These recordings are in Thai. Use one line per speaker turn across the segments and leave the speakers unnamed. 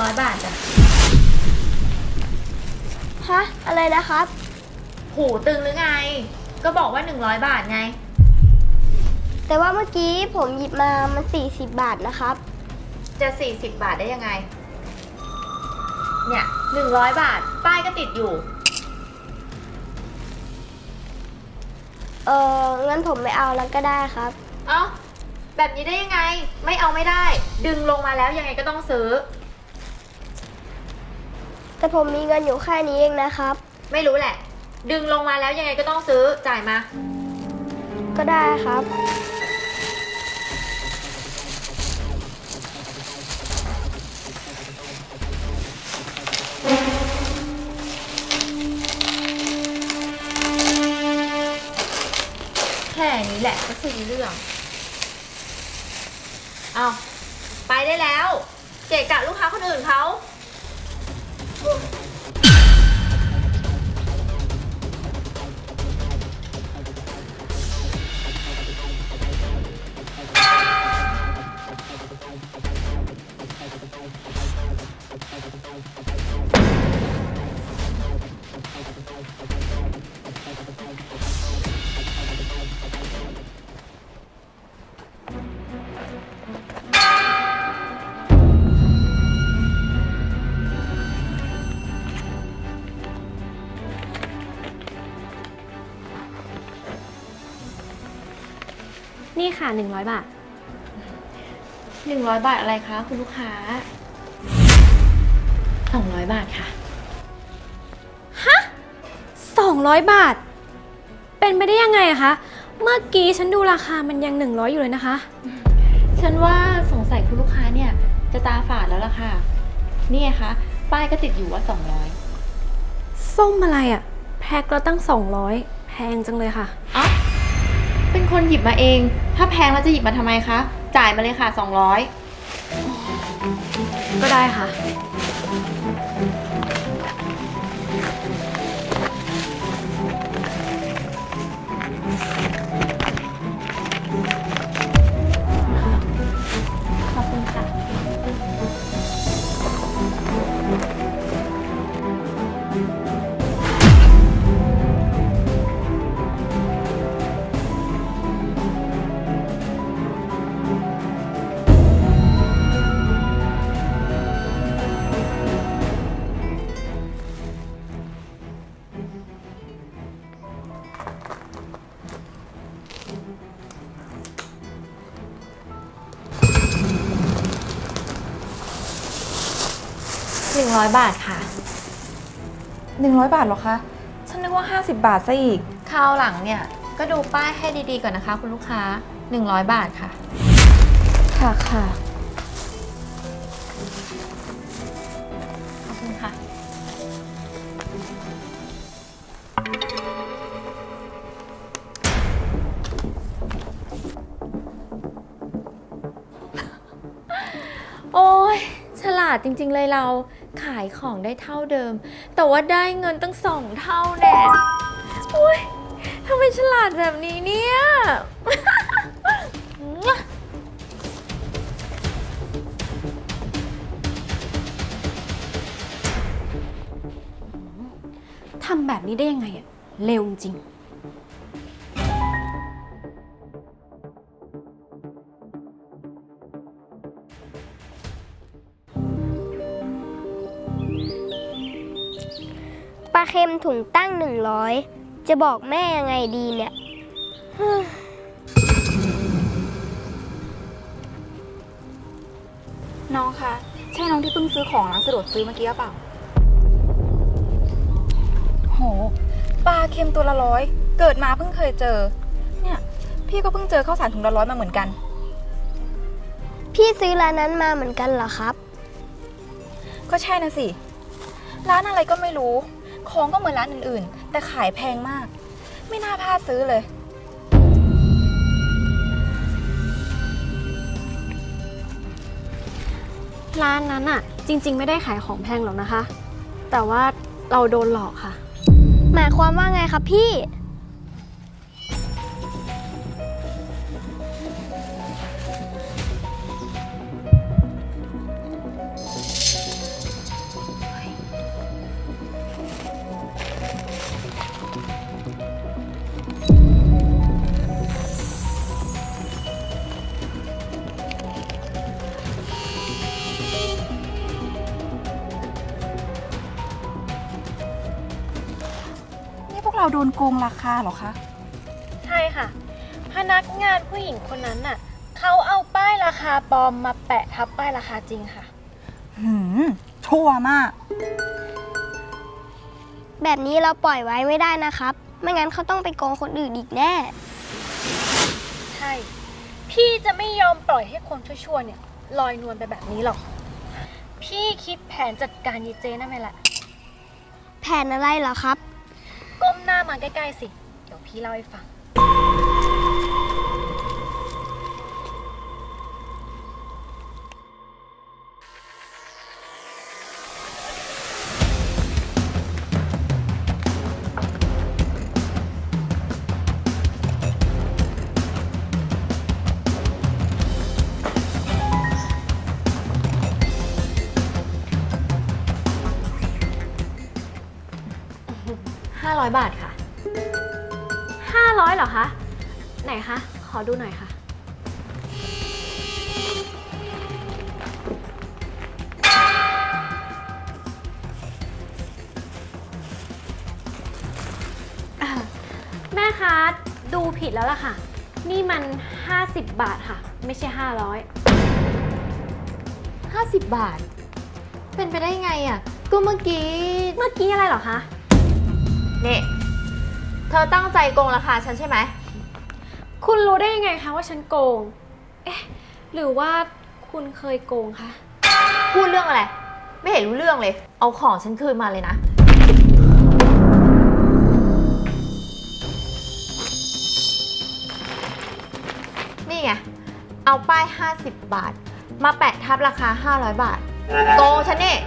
100 บาทจ้ะ
ฮะอะไรนะครับ
หูตึงหรือไงก็บอกว่า100 บาทไง
แต่ว่าเมื่อกี้ผมหยิบมามัน40 บาทนะครับ
จะ40 บาทได้ยังไงเนี่ย100 บาทป้ายก็ติดอยู่
งั้นผมไม่เอาแล้วก็ได้ครับ
เอ้าแบบนี้ได้ยังไงไม่เอาไม่ได้ดึงลงมาแล้วยังไงก็ต้องซื้อ
แต่ผมมีเงินอยู่แค่นี้เองนะครับ
ไม่รู้แหละดึงลงมาแล้วยังไงก็ต้องซื้อจ่ายมา
ก็ได้ครับ
แค่นี้แหละก็ซื้อเรื่องเอาไปได้แล้วเกะกะลูกค้าคนอื่นเขา
นี่ค่ะ100 บาท
100 บาทอะไรคะคุณลูกค้า200 บาทค่ะ
ฮะ200 บาทเป็นไปได้ยังไงอะคะเมื่อกี้ฉันดูราคามันยัง100อยู่เลยนะคะ
ฉันว่าสงสัยคุณลูกค้าเนี่ยจะตาฝาดแล้วล่ะค่ะนี่ไงคะป้ายก็ติดอยู่ว่า200
ส้มอะไรอะแพ็คเราตั้ง200แพงจังเลยค่ะ
อ๋อเป็นคนหยิบมาเองถ้าแพงแล้วจะหยิบมาทำไมคะจ่ายมาเลยค่ะ200
ก็ได้ค่ะ
ขอบคุณค่ะ100 บาทค่ะ
100 บาทเหรอคะฉันนึกว่า50 บาทซะอีก
คราวหลังเนี่ยก็ดูป้ายให้ดีๆก่อนนะคะคุณลูกค้า100 บาทค่ะ
ค่ะค่ะ
ขอบคุณค่ะโอ้ยฉลาดจริงๆเลยเราขายของได้เท่าเดิมแต่ว่าได้เงินตั้ง2 เท่าแน่โอ้ยทำไมฉลาดแบบนี้เนี่ย
ทำแบบนี้ได้ยังไงอะเร็วจริง
ปลาเค็มถุงตั้ง100จะบอกแม่ยังไงดีเนี่ย
น้องคะใช่น้องที่เพิ่งซื้อของร้านสะดวกซื้อเมื่อกี้หรือเปล่าโหปลาเค็มตัวละ100เกิดมาเพิ่งเคยเจอเนี่ยพี่ก็เพิ่งเจอข้าวสารถุงละ100มาเหมือนกัน
พี่ซื้อร้านนั้นมาเหมือนกันเหรอครับ
ก็ใช่นะสิร้านอะไรก็ไม่รู้ของก็เหมือนร้านอื่นๆแต่ขายแพงมากไม่น่าพลาดซื้อเลย
ร้านนั้นอะจริงๆไม่ได้ขายของแพงหรอกนะคะแต่ว่าเราโดนหลอกค่ะ
หมายความว่าไงครับพี่
เราโดนโกงราคาเหรอคะ
ใช่ค่ะ พนักงานผู้หญิงคนนั้นน่ะเขาเอาป้ายราคาปลอมมาแปะทับป้ายราคาจริงค่ะ
ชั่วมาก
แบบนี้เราปล่อยไว้ไม่ได้นะครับ ไม่งั้นเขาต้องไปโกงคนอื่นอีกแน่
ใช่ พี่จะไม่ยอมปล่อยให้คนชั่วๆเนี่ยลอยนวลไปแบบนี้หรอก พี่คิดแผนจัดการยีเจนั่นไงแหละ
แผนอะไรเหรอครับ
ก้มหน้ามาใกล้ๆสิ เดี๋ยวพี่เล่าให้ฟัง
500 บาทค่ะ
500เหรอคะ ไหนคะ ขอดูหน่อยค่ะ แม่คะดูผิดแล้วล่ะค่ะ นี่มัน 50 บาทค่ะ ไม่ใช่ 500
50 บาท เป็นไปได้ไงอ่ะ ก็เมื่อกี้
เมื่อกี้อะไรเหรอคะ
เนี่ยเธอตั้งใจโกงราคาฉันใช่ไหม
คุณรู้ได้ยังไงคะว่าฉันโกง เอ๊ะ หรือว่าคุณเคยโกงคะ
พูดเรื่องอะไร ไม่เห็นรู้เรื่องเลย เอาของฉันคืนมาเลยนะ นี่ไง เอาป้าย 50 บาท มาแปะทับราคา 500 บาท โกงฉันนี่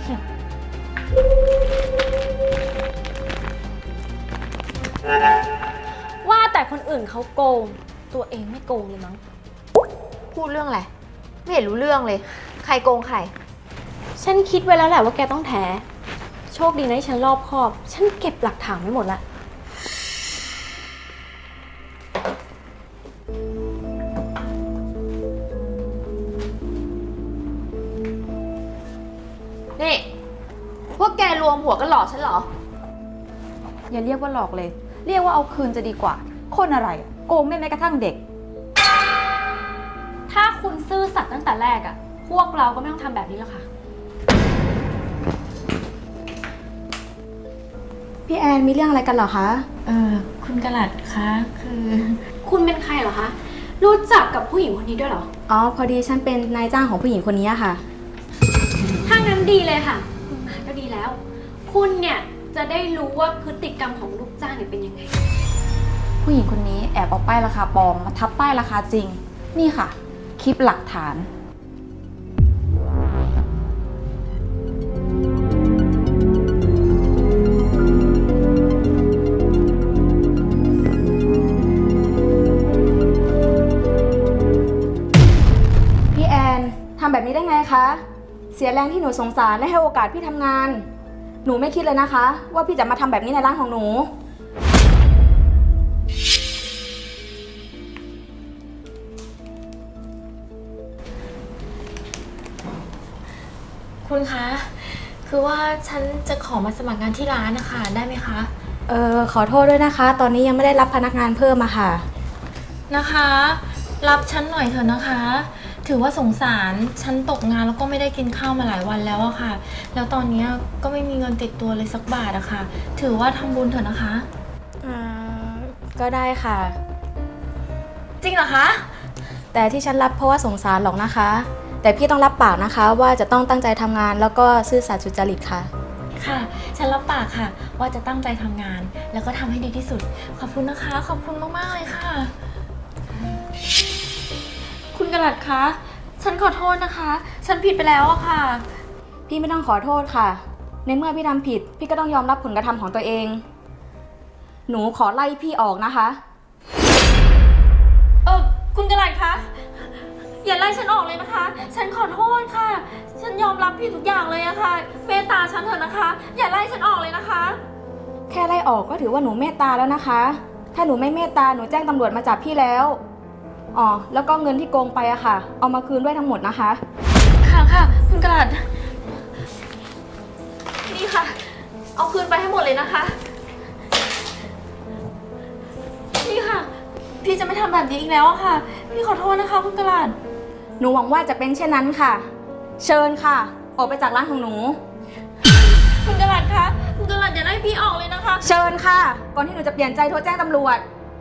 ว่าแต่คนอื่นเขาโกง ตัวเองไม่โกงเลยมั้ง
พูดเรื่องอะไร ไม่เห็นรู้เรื่องเลย ใครโกงใคร
ฉันคิดไว้แล้วแหละว่าแกต้องแท้ โชคดีนะที่ฉันรอบคอบ ฉันเก็บหลักฐานไว้หมดละ
นี่ พวกแกรวมหัวกันหลอกฉันเหรอ
อย่าเรียกว่าหลอกเลย เรียกว่าเอาคืนจะดีกว่า คนอะไรอะโกงได้แม้กระทั่งเด็ก
ถ้าคุณซื่อสัตย์ตั้งแต่แรกอะพวกเราก็ไม่ต้องทำแบบนี้แล้วค่ะ
พี่แอนมีเรื่องอะไรกันเหรอคะ
คุณกระหลัดคะ คือ
คุณเป็นใครเหรอคะ รู้จักกับผู้หญิงคนนี้ด้วยเหรอ
อ๋อ พอดีฉันเป็นนายจ้างของผู้หญิงคนนี้ค่ะ
ถ้างั้นดีเลยค่ะ คุณมาก็ดีแล้ว คุณเนี่ยจะได้รู้ว่าพฤติกรรมของลูกจ้างเนี่ยเป็นยังไง
ผู้หญิงคนนี้แอบเอาป้ายราคาปลอมมาทับป้ายราคาจริง นี่ค่ะ คลิปหลักฐาน พี่แอนทำแบบนี้ได้ไงคะ เสียแรงที่หนูสงสารและให้โอกาสพี่ทำงาน หนูไม่คิดเลยนะคะ ว่าพี่จะมาทำแบบนี้ในร้านของหนู
คุณคะ คือว่าฉันจะขอมาสมัครงานที่ร้านนะคะ ได้ไหมคะ
ขอโทษด้วยนะคะ ตอนนี้ยังไม่ได้รับพนักงานเพิ่มอะค่ะ
นะคะ รับฉันหน่อยเถอะนะคะ ถือว่าสงสาร ฉันตกงานแล้วก็ไม่ได้กินข้าวมาหลายวันแล้วอะค่ะ แล้วตอนนี้ก็ไม่มีเงินติดตัวเลยสักบาทอะค่ะ ถือว่าทำบุญเถอะนะคะ
ก็ได้ค่ะ
จริงเหรอคะ
แต่ที่ฉันรับเพราะว่าสงสารหรอกนะคะ แต่พี่ต้องรับปากนะคะ ว่าจะต้องตั้งใจทำงานแล้วก็ซื่อสัตย์สุจริตค่ะ
ค่ะ ฉันรับปากค่ะ ว่าจะตั้งใจทำงาน แล้วก็ทำให้ดีที่สุด ขอบคุณนะคะ ขอบคุณมากๆเลยค่ะ คุณกระหลัดคะ ฉันขอโทษนะคะ ฉันผิดไปแล้วอะค่ะ
พี่ไม่ต้องขอโทษค่ะ ในเมื่อพี่ทำผิด พี่ก็ต้องยอมรับผลกระทำของตัวเอง หนูขอไล่พี่ออกนะคะ
คุณกระหลัดคะ อย่าไล่ฉันออกเลยนะคะ ฉันขอโทษค่ะ ฉันยอมรับผิดทุกอย่างเลยอะค่ะ เมตตาฉันเถอะนะคะ อย่าไล่ฉันออกเลยนะคะ
แค่ไล่ออกก็ถือว่าหนูเมตตาแล้วนะคะ ถ้าหนูไม่เมตตาหนูแจ้งตำรวจมาจับพี่แล้ว อ๋อ แล้วก็เงินที่โกงไปอะค่ะ เอามาคืนด้วยทั้งหมดนะคะ
ค่ะค่ะ คุณกระหลัด นี่ค่ะ เอาคืนไปให้หมดเลยนะคะพี่จะไม่ทำแบบนี้อีกแล้วอะค่ะ พี่ขอโทษนะคะคุณกระหลาด
หนูหวังว่าจะเป็นเช่นนั้นค่ะ เชิญค่ะ ออกไปจากร้านของหนู
คุณกระหลาดคะ คุณกระหลาดอย่าไล่พี่ออกเลยนะคะ
เชิญค่ะ ก่อนที่หนูจะเปลี่ยนใจโทรแจ้งตำรวจ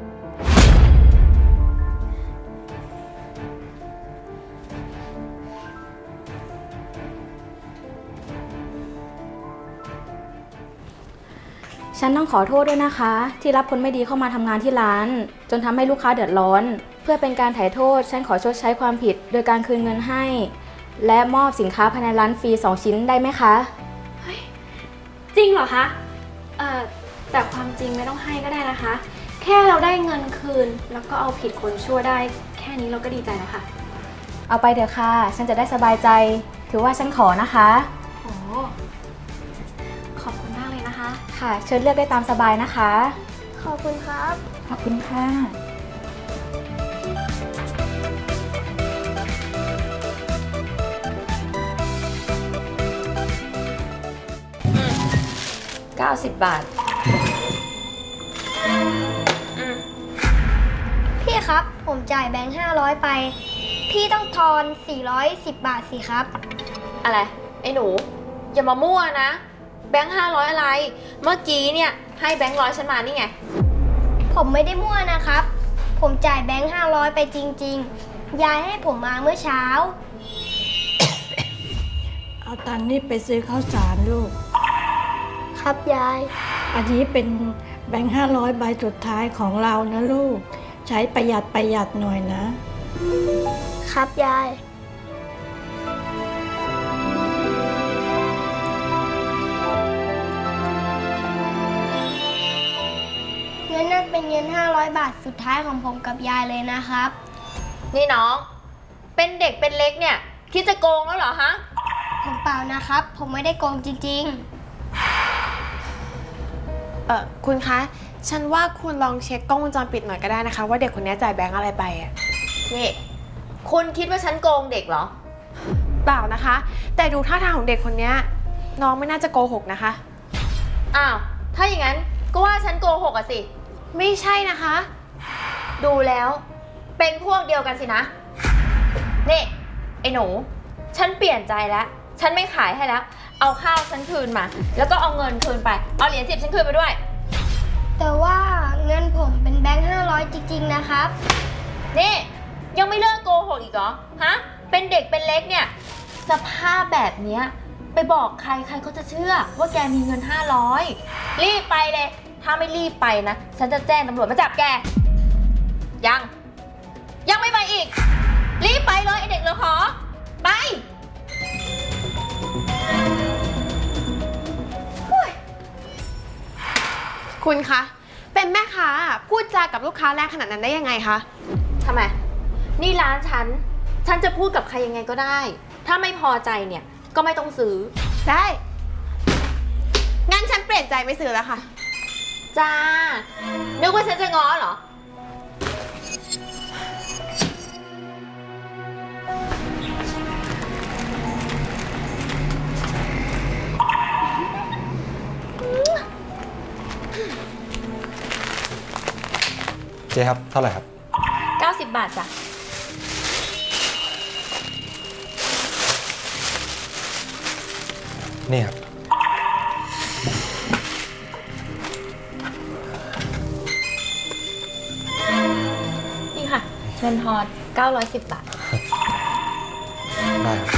ฉันต้องขอโทษด้วยนะคะ ที่รับคนไม่ดีเข้ามาทำงานที่ร้าน จนทำให้ลูกค้าเดือดร้อน เพื่อเป็นการไถ่โทษ ฉันขอชดใช้ความผิด โดยการคืนเงินให้ และมอบสินค้าภายในร้านฟรี2 ชิ้นได้ไหมคะ
จริงเหรอคะ แต่ความจริงไม่ต้องให้ก็ได้นะคะ แค่เราได้เงินคืน แล้วก็เอาผิดคนชั่วได้ แค่นี้เราก็ดีใจแล้วค่ะ
เอาไปเถอะค่ะ ฉันจะได้สบายใจ ถือว่าฉันขอนะคะ
โอ้ขอบคุณมากเลยนะคะ
ค่ะ เชิญเลือกได้ตามสบายนะคะ
ขอบคุณครับ
ขอบคุณค่ะ
90 บาท
พี่ครับ ผมจ่ายแบงค์500 ไป พี่ต้องทอน410 บาทสิครับ
อะไร ไอ้หนู อย่ามามั่วนะ แบงค์500อะไร เมื่อกี้เนี่ยให้แบงค์100ฉันมานี่ไง
ผมไม่ได้มั่วนะครับ ผมจ่ายแบงค์500 ไปจริงๆ ยายให้ผมมาเมื่อเช้า
เอาตังค์นี่ไปซื้อข้าวสารลูก
ครับยาย
อันนี้เป็นแบงค์500 ใบสุดท้ายของเรานะลูก ใช้ประหยัดหน่อยนะ
ครับยาย เงินนั่นเป็นเงิน500 บาทสุดท้ายของผมกับยายเลยนะครับ
นี่น้อง เป็นเด็กเป็นเล็กเนี่ย คิดจะโกงแล้วเหรอฮะ
ผมเปล่านะครับ ผมไม่ได้โกงจริง
คุณคะ ฉันว่าคุณลองเช็คกล้องวงจรปิดหน่อยก็ได้นะคะ ว่าเด็กคนนี้จ่ายแบงค์อะไรไปอะ
นี่ คุณคิดว่าฉันโกงเด็กเหรอ
เปล่านะคะ แต่ดูท่าทางของเด็กคนนี้น้องไม่น่าจะโกหกนะคะ
อ้าว ถ้าอย่างนั้นก็ว่าฉันโกหกอะสิ
ไม่ใช่นะคะ
ดูแล้วเป็นพวกเดียวกันสินะ นี่ ไอ้หนู ฉันเปลี่ยนใจแล้ว ฉันไม่ขายให้แล้ว เอาข้าวฉันคืนมา แล้วก็เอาเงินคืนไป เอาเหรียญ10ฉันคืนไปด้วย
ๆ แต่ว่าเงินผมเป็นแบงค์500 จริงๆนะครับ
นี่ ยังไม่เลิกโกหกอีกเหรอ ฮะ เป็นเด็กเป็นเล็กเนี่ย สภาพแบบเนี้ยไปบอกใครใครเขาจะเชื่อ ว่าแกมีเงิน500รีบไปเลย ถ้าไม่รีบไปนะ ฉันจะแจ้งตำรวจมาจับแก ยังไม่ไปอีก รีบไปเลยไอเด็กเหลือขอ ไป
คุณคะ เป็นแม่ค้าพูดจากับลูกค้าแรงขนาดนั้นได้ยังไงคะ
ทำไม นี่ร้านฉันจะพูดกับใครยังไงก็ได้ ถ้าไม่พอใจเนี่ย ก็ไม่ต้องซื้อ
ได้ งั้นฉันเปลี่ยนใจไม่ซื้อแล้วค่ะ
จ้า นึกว่าฉันจะง้อเหรอ
เจ๊ครับ เท่าไหร่ครับ
90 บาทจ้ะ
นี่ครับ
นี่ค่ะเงินทอน910 บาท
ได้ครับ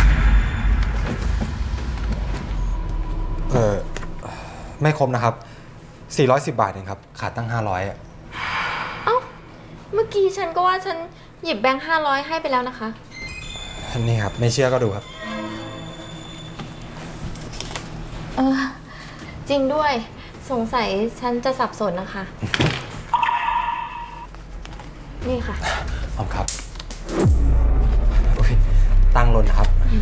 ไม่ครบนะครับ 410 บาทเองครับ ขาดตั้ง 500อ่ะ
เอ้า เมื่อกี้ฉันก็ว่าฉันหยิบแบงค์500ให้ไปแล้วนะคะ
นี่ครับ ไม่เชื่อก็ดูครับ
จริงด้วย สงสัยฉันจะสับสนนะคะ นี่ค่ะ
ขอบคุณครับอุ๊ยตั้งหล่นนะครับ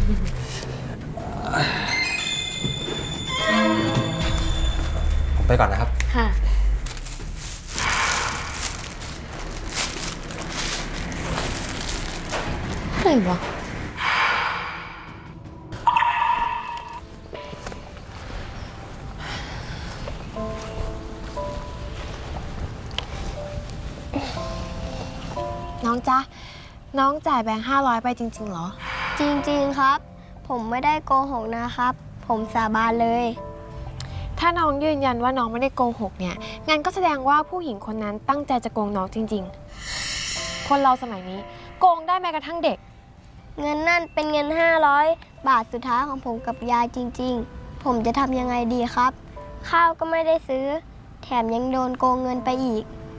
ผมไปก่อนนะครับ
ค่ะ อะไรวะ
องจ๊ะ น้องจ่ายแบงค์500ไปจริงๆเหรอ
จริงๆครับ ผมไม่ได้โกหกนะครับ ผมสาบานเลย
ถ้าน้องยืนยันว่าน้องไม่ได้โกหกเนี่ยงั้นก็แสดงว่าผู้หญิงคนนั้นตั้งใจจะโกงน้องจริงๆ คนเราสมัยนี้โกงได้แม้กระทั่งเด็ก
เงินนั่นเป็นเงิน500 บาทสุดท้ายของผมกับยายจริงๆ ผมจะทำยังไงดีครับ ข้าวก็ไม่ได้ซื้อ แถมยังโดนโกงเงินไปอีก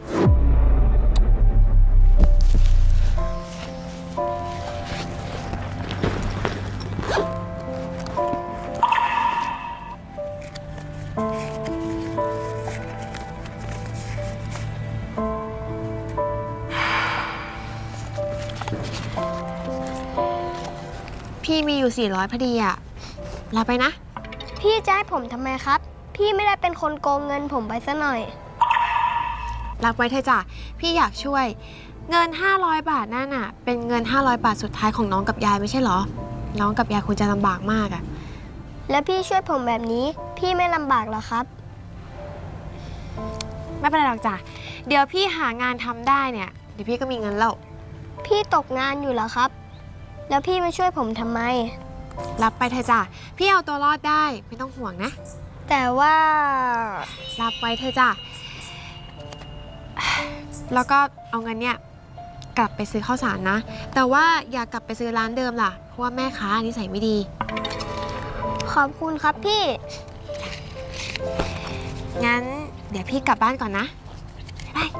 พี่มีอยู่400พอดีอะรับไปนะ
พี่จะให้ผมทำไมครับ พี่ไม่ได้เป็นคนโกงเงินผมไปซะหน่อย
รับไว้เถอะจ้ะพี่อยากช่วย เงิน500 บาทนั่นน่ะเป็นเงิน500 บาทสุดท้ายของน้องกับยายไม่ใช่เหรอ น้องกับยายคงจะลำบากมากอะ
แล้วพี่ช่วยผมแบบนี้ พี่ไม่ลำบากหรอครับ
ไม่เป็นไรหรอกจ้ะเดี๋ยวพี่หางานทำได้เนี่ยเดี๋ยวพี่ก็มีเงินแล้ว
พี่ตกงานอยู่เหรอครับ แล้วพี่มาช่วยผมทำไม
รับไปเถอะจ้ะพี่เอาตัวรอดได้ไม่ต้องห่วงนะ
แต่ว่า
รับไว้เถอะจ้ะแล้วก็เอาเงินเนี่ยกลับไปซื้อข้าวสารนะ แต่ว่าอย่ากลับไปซื้อร้านเดิมล่ะเพราะว่าแม่ค้านิสัยไม่ดี
ขอบคุณครับพี่
งั้นเดี๋ยวพี่กลับบ้านก่อนนะบ๊ายบาย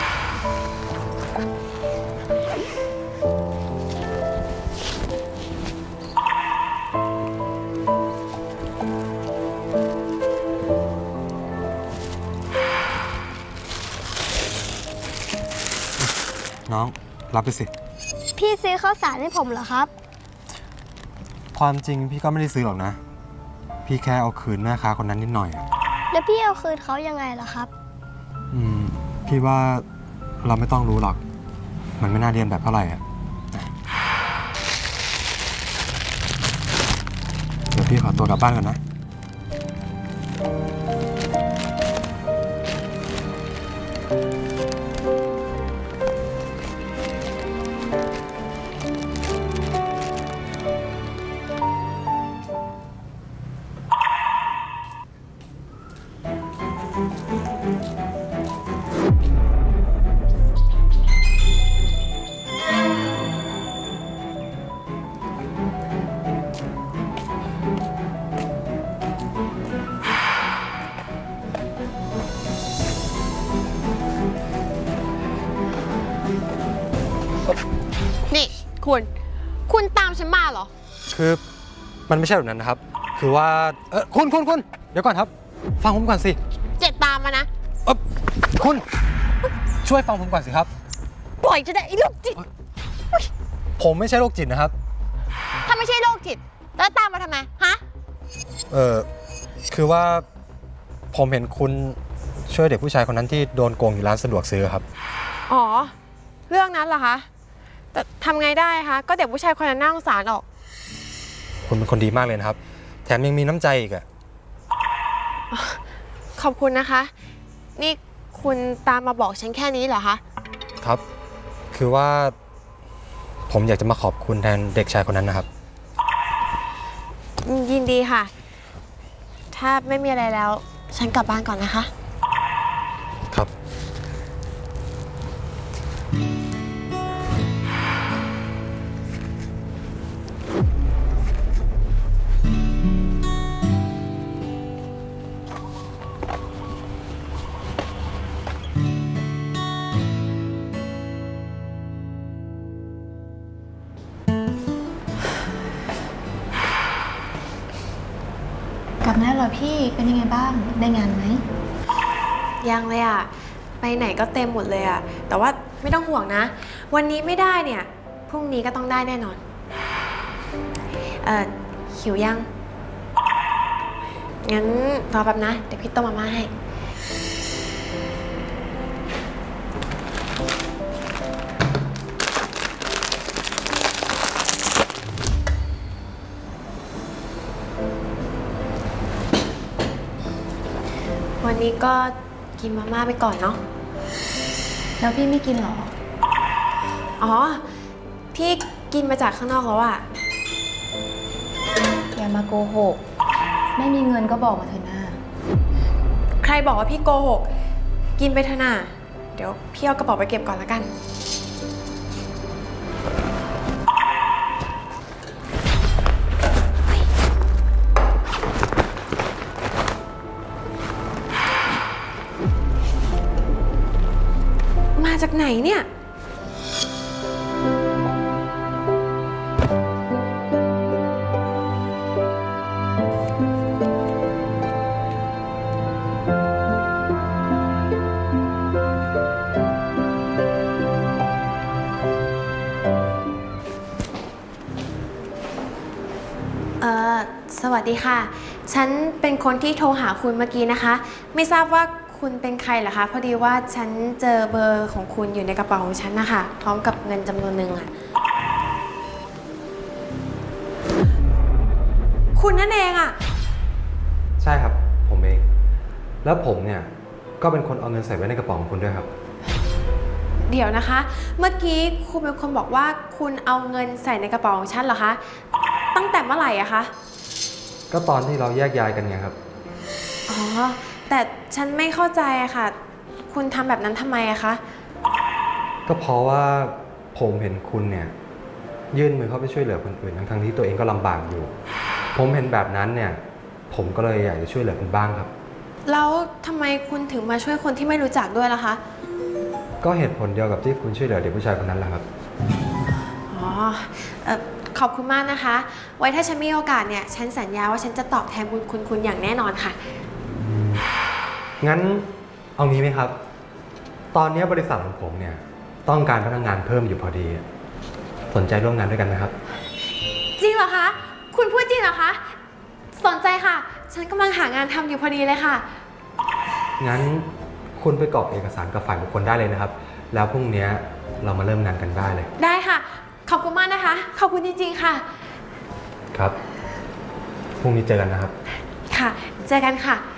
น้องรับไปสิ
พี่ซื้อข้าวสารให้ผมเหรอครับ
ความจริงพี่ก็ไม่ได้ซื้อหรอกนะ พี่แค่เอาคืนแม่ค้าคนนั้นนิดหน่อยอะ
แล้วพี่เอาคืนเขายังไงล่ะครับ
พี่ว่าเราไม่ต้องรู้หรอก มันไม่น่าเรียนแบบเท่าไหร่อะเดี๋ยวพี่ขอตัวกลับบ้านก่อนนะ
นี่คุณตามฉันมาเหรอ
คือมันไม่ใช่แบบนั้นนะครับ คือว่าคุณเดี๋ยวก่อนครับ ฟังผมก่อนสิ
เจ็ดตามมานะ
คุณช่วยฟังผมก่อนสิครับ
ปล่อยจะได้ไอ้โรคจิต
ผมไม่ใช่โรคจิตนะครับ
ถ้าไม่ใช่โรคจิตแล้วตามมาทำไมฮะ
คือว่าผมเห็นคุณช่วยเด็กผู้ชายคนนั้นที่โดนโกงอยู่ร้านสะดวกซื้อครับ
อ๋อเรื่องนั้นเหรอคะแต่ทำไงได้คะก็เด็กผู้ชายคนนั้นน่าสงสารออก
คุณเป็นคนดีมากเลยนะครับ แถมยังมีน้ำใจอีกอะ
ขอบคุณนะคะ นี่คุณตามมาบอกฉันแค่นี้เหรอคะ
ครับ คือว่าผมอยากจะมาขอบคุณแทนเด็กชายคนนั้นนะครับ
ยินดีค่ะ ถ้าไม่มีอะไรแล้ว ฉันกลับบ้านก่อนนะคะ
ครับ
กลับมาแล้วเหรอพี่เป็นยังไงบ้างได้งานไหม
ยังเลยอ่ะ ไปไหนก็เต็มหมดเลยอ่ะ แต่ว่าไม่ต้องห่วงนะ วันนี้ไม่ได้เนี่ย พรุ่งนี้ก็ต้องได้แน่นอน หิวยัง งั้นรอแป๊บนะ เดี๋ยวพี่ต้มมาม่าให้ วันนี้ก็กินมาม่าไปก่อนเนาะ
แล้วพี่ไม่กินหรอ
อ๋อ พี่กินมาจากข้างนอกแล้วอะ
อย่ามาโกหก ไม่มีเงินก็บอกมาเถอะนะ
ใครบอกว่าพี่โกหก กินไปเถอะน่ะเดี๋ยวพี่เอากระเป๋าไปเก็บก่อนละกัน มาจากไหนเนี่ย สวัสดีค่ะ ฉันเป็นคนที่โทรหาคุณเมื่อกี้นะคะ ไม่ทราบว่าคุณเป็นใครเหรอคะ พอดีว่าฉันเจอเบอร์ของคุณอยู่ในกระเป๋าของฉันนะคะ พร้อมกับเงินจำนวนหนึ่งอะคุณนั่นเองอะ
ใช่ครับ ผมเอง แล้วผมเนี่ยก็เป็นคนเอาเงินใส่ไว้ในกระเป๋าของคุณด้วยครับ
เดี๋ยวนะคะ เมื่อกี้คุณเป็นคนบอกว่าคุณเอาเงินใส่ในกระเป๋าของฉันเหรอคะ ตั้งแต่เมื่อไหร่อะคะ
ก็ตอนที่เราแยกย้ายกันไงครับ
อ๋อ แต่ฉันไม่เข้าใจอะค่ะ คุณทำแบบนั้นทำไมอะคะ
ก็เพราะว่าผมเห็นคุณเนี่ยยื่นมือเข้าไปช่วยเหลือคนอื่นทั้งๆที่ตัวเองก็ลำบากอยู่ ผมเห็นแบบนั้นเนี่ยผมก็เลยอยากจะช่วยเหลือคุณบ้างครับ
แล้วทำไมคุณถึงมาช่วยคนที่ไม่รู้จักด้วยล่ะคะ
ก็เหตุผลเดียวกับที่คุณช่วยเหลือเด็กผู้ชายคนนั้นแหละครับ
อ๋อขอบคุณมากนะคะ ไว้ถ้าฉันมีโอกาสเนี่ย ฉันสัญญาว่าฉันจะตอบแทนบุญคุณอย่างแน่นอนค่ะ
งั้นเอางี้ไหมครับ ตอนนี้บริษัทของผมเนี่ยต้องการพนักงานเพิ่มอยู่พอดี สนใจร่วมงานด้วยกันไหมครับ
จริงเหรอคะ คุณพูดจริงเหรอคะ สนใจค่ะ ฉันกำลังหางานทำอยู่พอดีเลยค่ะ
งั้นคุณไปกรอกเอกสารกับฝ่ายบุคคลได้เลยนะครับ แล้วพรุ่งนี้เรามาเริ่มงานกันได้เลย
ได้ค่ะ ขอบคุณมากนะคะ ขอบคุณจริงๆค่ะ
ครับ พรุ่งนี้เจอกันนะครับ
ค่ะ เจอกันค่ะ